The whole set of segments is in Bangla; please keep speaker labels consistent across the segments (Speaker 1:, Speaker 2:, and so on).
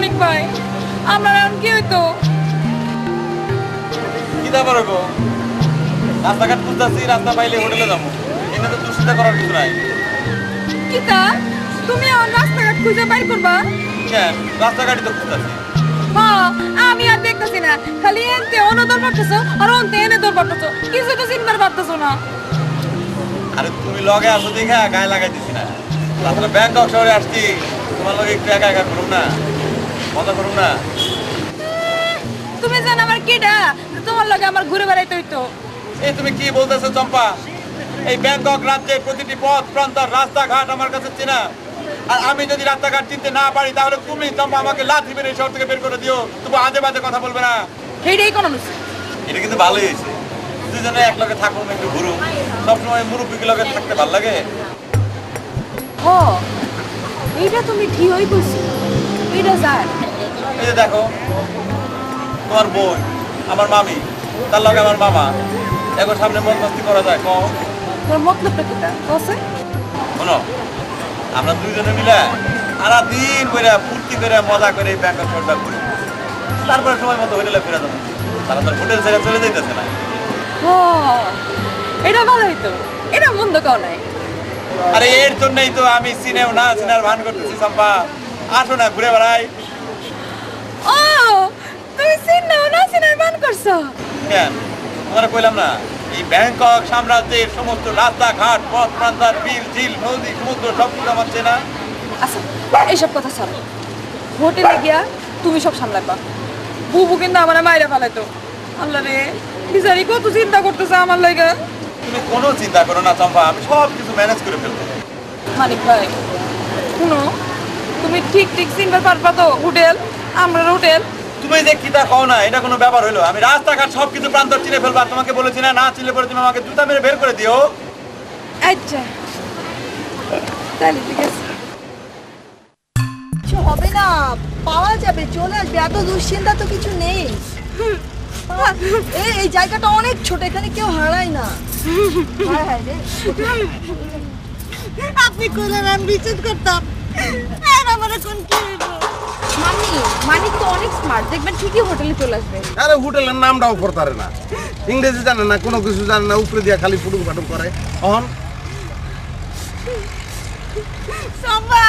Speaker 1: মানিক ভাই আমরা এখন কি হইতো?
Speaker 2: কি দা পারবো? রাস্তাঘাট খুঁজতেছি, রাস্তা পাইলে হোটেলে যাবো। এখানে তো দুশ্চিন্তা করার কিছু নাই।
Speaker 1: কিতা তুমি এখন রাস্তাঘাট খুঁজে বাইর করবা?
Speaker 2: কেন? রাস্তাঘাটই তো খুঁজতেছি।
Speaker 1: হ্যাঁ আমি আর দেখতেছি না, খালি এনতে অনদর পারতেছো আর অন্তে এনে দর পারতেছো, কিছু তো চিন্তার পারতেছো না।
Speaker 2: আরে তুমি লগে আসো দেখা গায়ে লাগাই দিছি না। তারপরে ব্যাংকক শহরে আসছি, তোমার লগে একটু একা একা করুন না, মজা করুন না।
Speaker 1: তুমি জান আমার কেডা, তোমার লগে আমার ঘুরে বেড়াইতে হইতো।
Speaker 2: এই তুমি কি বলতেছো চম্পা? এই ব্যাংকক রাজ্যের প্রতিটি পথ প্রান্তর রাস্তাঘাট আমার কাছে চেনা। আর আমি যদি রাস্তাঘাট চিনতে না পারি তাহলে তুমি চম্পা আমাকে লাথি মেরে শহর থেকে বের করে দিও। তুমি আজে বাজে কথা বলবে না।
Speaker 1: সেইটাই কোন হইছে।
Speaker 2: এটা কিন্তু ভালোই হয়েছে, দুজনে এক লগে থাকুন, একটু ঘুরুন। সবসময় মুরব্বী লগে থাকতে ভালো লাগে।
Speaker 1: ও এইটা তুমি ঠিকই কইছো, এইটা জান।
Speaker 2: এই যে দেখো, তোমার বোন, আমার মামি, তার লগে আমার মামা, এখন সামনে মন মস্তি করা যায় কম।
Speaker 1: তোর মতলবটা কিটা কইছে?
Speaker 2: শোনো, আমরা দুইজনে মিলে সারা দিন করে ফুর্তি করে মজা করে এই ব্যাংকক শহরটা ঘুরি। তারপরে সময় মতো হোটেলে ফিরে যাবো। তারা তো হোটেল ছেড়ে চলে যাইতেছে না।
Speaker 1: ও এটা ভালো হইতো, এটা মন্দ কাও নাই।
Speaker 2: আরে এর জন্যই তো আমি সিনেও না সিনার ভান করতেছি চম্পা। আসো না ঘুরে বেড়াই।
Speaker 1: ও তুমি সিনেও না সিনার বান করছো?
Speaker 2: কেন? তোমরা কইলাম না, এই ব্যাংকক সাম্রাজ্যের সমস্ত রাস্তাঘাট পথ প্রান্তর বিল ঝিল নদী সমুদ্র সব কিছু আমার চেনা।
Speaker 1: আচ্ছা এইসব কথা ছাড়ো, হোটেলে গিয়া তুমি সব সামলাবা। বুবু কিন্তু আমার মাইরা ফেলাইতো। আল্লাহ রে বিচারি কত চিন্তা করতেছে আমার লাগা।
Speaker 2: তুমি কোনো চিন্তা করো না চম্পা, আমি সব কিছু ম্যানেজ করে ফেলবো।
Speaker 1: মানিক ভাই শুনো, তুমি ঠিক ঠিক চিনতে পারবা তো হোটেল, আমরা হোটেল?
Speaker 2: তুমি যে কিতা কও না, এটা কোনো ব্যাপার হলো? আমি রাস্তাঘাট সব কিছু প্রান্তর চিনে ফেলবো। আর তোমাকে বলেছি না, না চিনলে পরে তুমি আমাকে জুতা মেরে বের করে দিও।
Speaker 1: আচ্ছা তাহলে ঠিক আছে।
Speaker 3: কিছু হবে না, পাওয়া যাবে, চলে আসবে, এত দুশ্চিন্তা তো কিছু নেই। এই জায়গাটা অনেক ছোট, এখানে কেউ হারায় না। হায় হায় রে।
Speaker 4: আপনি কইলেন আমি বিচার করতাম, আর আমার এখন কি হইব?
Speaker 1: মানিক তো অনেক স্মার্ট, দেখবেন ঠিকই হোটেলে চলে আসবে।
Speaker 5: আরে হোটেলের নামটাও করতারে না, ইংরেজি জানে না, কোনো কিছু জানে না, উপরে দিয়া খালি ফুটুক ফাটুক করে। অহন
Speaker 4: সম্পা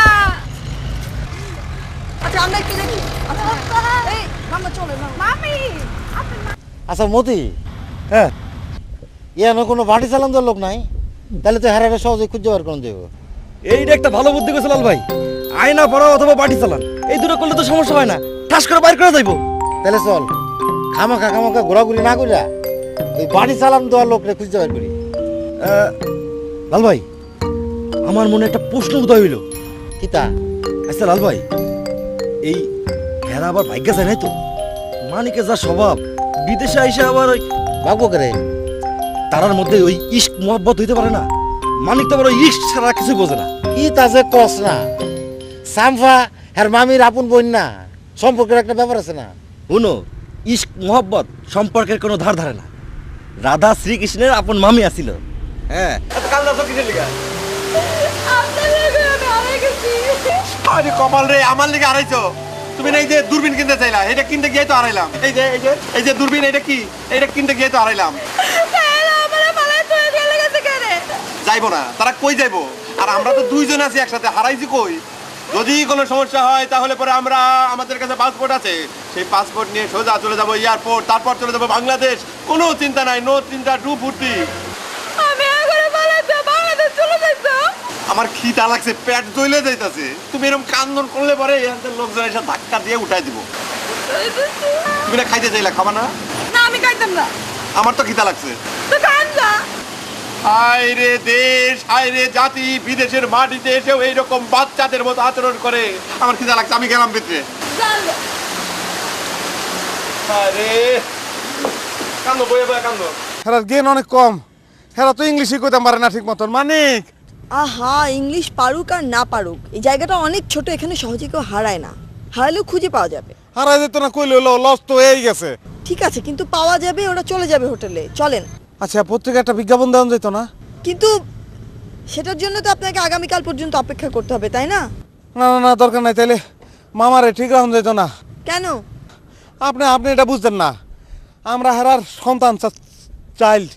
Speaker 3: আচ্ছা আমরা একটু দেখি। এই মামা চলে না।
Speaker 4: মামি
Speaker 6: আচ্ছা মতি, হ্যাঁ ইয়ানো কোনো বাড়ি চালান দেওয়ার লোক নাই, তাহলে তো হারাটা সহজে খুঁজে বার করে দেবো।
Speaker 7: এইটা একটা ভালো বুদ্ধি করেছে লাল ভাই। আয়না পড়া অথবা বাটি চালান, এই দুটো করলে তো সমস্যা হয় না, ঠাস করে বাইর করে যাইবো।
Speaker 6: তাহলে চল খামাখা খামাখা ঘোরাঘুরি না করিয়া ওই বাড়ি চালান দেওয়ার লোকরে খুঁজে বার করি।
Speaker 7: লাল ভাই, আমার মনে একটা প্রশ্ন উদয় হইল।
Speaker 6: কিতা?
Speaker 7: আচ্ছা লাল ভাই, এই হেরা আবার ভাগ্যা যায় নাই তো? মানিকে যা স্বভাব, বিদেশে আইসা আবার ওই
Speaker 6: ভাগ্য করে
Speaker 7: তারার মধ্যে ওই ইস্ক মহব্বত হইতে পারে না। মানিক তো আবার ওই ইস্ক ছাড়া কিছু বোঝে না।
Speaker 6: কি তাছে কস না, সামফা আর মামির আপন বোন না, সম্পর্কের একটা ব্যাপার আছে না।
Speaker 7: শুনো, ইস্ক মহব্বত সম্পর্কের কোনো ধার ধারে না। রাধা শ্রীকৃষ্ণের আপন মামি আসিল। হ্যাঁ,
Speaker 2: কাল দাসো কিসের লিগা?
Speaker 1: আপনার লাগে আমি হারাই গেছি।
Speaker 2: আরে কপাল রে, আমার লিগে হারাইছো? তুমি না এই যে দূরবীন কিনতে চাইলা, এটা কিনতে গিয়ে তো হারাইলাম। এই যে দূরবীন, এটা কি? এটা কিনতে গিয়ে তো হারাইলাম। যাইবো না, তারা কই যাইবো? আর আমরা তো দুইজন আছি একসাথে, হারাইছি কই? যদি কোনো সমস্যা হয় তাহলে পরে আমরা, আমাদের কাছে পাসপোর্ট আছে, সেই পাসপোর্ট নিয়ে সোজা চলে যাবো এয়ারপোর্ট, তারপর চলে যাবো বাংলাদেশ। কোনো চিন্তা নাই, নো চিন্তা, ডু ফুর্তি।
Speaker 1: আমি এখন বাংলাদেশ চলে যাইতো।
Speaker 2: আমার খিদা লাগছে, পেট জ্বলে যাইতাছে। তুমি এরকম কান্দন করলে পরে এখানকার লোকজন এসে ধাক্কা দিয়ে উঠাই দিব। তুমি না খাইতে চাইলা, খাবা না?
Speaker 1: না আমি খাইতাম না।
Speaker 2: আমার তো খিদা লাগছে।
Speaker 1: তো খান না।
Speaker 2: হায় রে দেশ, হায় রে জাতি, বিদেশের মাটিতে এসেও এইরকম বাচ্চাদের মতো আচরণ করে। আমার খিদা লাগছে, আমি গেলাম ভিতরে। হায় রে, কান্দো, বয়ে বয়ে কান্দো।
Speaker 5: হেরার জ্ঞান অনেক কম, হেরা তো ইংলিশই কইতাম পারে না ঠিক মতন। মানিক
Speaker 3: আহা, ইংলিশ পারুক আর না পারুক, এই জায়গাটা অনেক ছোট, এখানে সহজে কেউ হারায় না। হারালেও খুঁজে পাওয়া যাবে।
Speaker 5: হারাই যেত না কইলে হলো, লস তো হয়েই গেছে।
Speaker 3: ঠিক আছে, কিন্তু পাওয়া যাবে, ওরা চলে যাবে হোটেলে, চলেন।
Speaker 5: আচ্ছা পত্রিকা একটা বিজ্ঞাপন দেওয়া যেত না?
Speaker 3: কিন্তু সেটার জন্য তো আপনাকে আগামীকাল পর্যন্ত অপেক্ষা করতে হবে, তাই না?
Speaker 5: না না না, দরকার নাই। তাইলে মামারে ঠিক রাখুন যেত না।
Speaker 3: কেন?
Speaker 5: আপনি এটা বুঝতেন না, আমরা হেরার সন্তান চাইল্ড।